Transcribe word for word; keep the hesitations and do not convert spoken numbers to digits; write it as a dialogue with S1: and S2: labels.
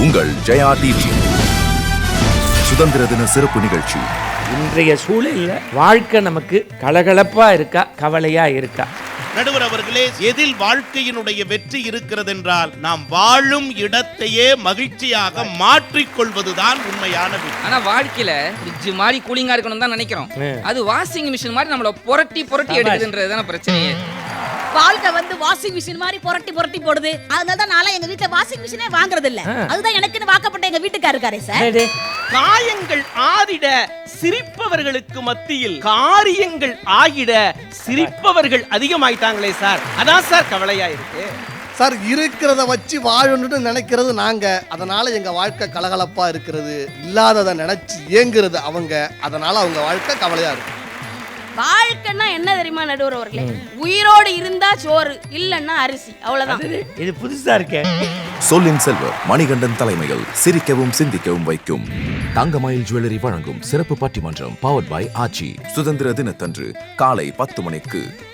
S1: உங்கள் ஜெயா டிவி சுதந்திர தின சிறப்பு நிகழ்ச்சி.
S2: இன்றைய சூழலில் வாழ்க்கை நமக்கு கலகலப்பா இருக்கா, கவலையா இருக்கா?
S3: நடுவர் அவர்களே, எதில் வாழ்க்கையினுடைய வெற்றி இருக்கிறது என்றால் நாம் வாழும் இடத்தையே மகிழ்ச்சியாக மாற்றிக்கொள்வதுதான் உண்மையான வெற்றி.
S4: ஆனா வாழ்க்கையில ஃப்ரிட்ஜ் மாதிரி கூலிங்கா இருக்கணும் தான் நினைக்கிறோம். அது வாஷிங் மிஷின் மாதிரி நம்மள புரட்டி புரட்டி எடுக்குதுன்றதுதான பிரச்சனையே.
S5: வாழ்க்கை வந்து வாஷிங் மிஷின் மாதிரி புரட்டி புரட்டி போடுது. அதனால தான் நான் எங்க வீட்ல வாஷிங் மிஷினே வாங்குறது இல்ல. அதுதான் எனக்குன்னு வாக்கப்பட்ட எங்க வீட்டுக்காரர் இருக்காரே சார்.
S6: காயங்கள் ஆறிட சிரிப்பவர்களுக்கு மத்தியில் காரியங்கள் ஆகிட சிரிப்பவர்கள் அதிகமாயிட்டாங்களே சார். அதான் சார் கவலையா இருக்கு
S7: சார். இருக்கிறத வச்சு வாழணும்னு நினைக்கிறது நாங்க, அதனால எங்க வாழ்க்கை கலகலப்பா இருக்கிறது. இல்லாததை நினைச்சு ஏங்குறது அவங்க, அதனால அவங்க வாழ்க்கை கவலையா இருக்கு.
S5: வாழ்க்கைன்னா என்ன தெரியுமா நடுவர் அவர்களே? உயிரோடு இருந்தா சோறு, இல்லன்னா அரிசி, அவ்வளவுதான்.
S2: இது புதுசா இருக்கே.
S1: சொல்லின் செல்வர் மணிகண்டன் தலைமையில் சிரிக்கவும் சிந்திக்கவும் வைக்கும் தங்கமயில் ஜுவல்லரி வழங்கும் சிறப்பு பட்டிமன்றம் பவர்ட் பை ஆச்சி. சுதந்திர தினத்தன்று காலை பத்து மணிக்கு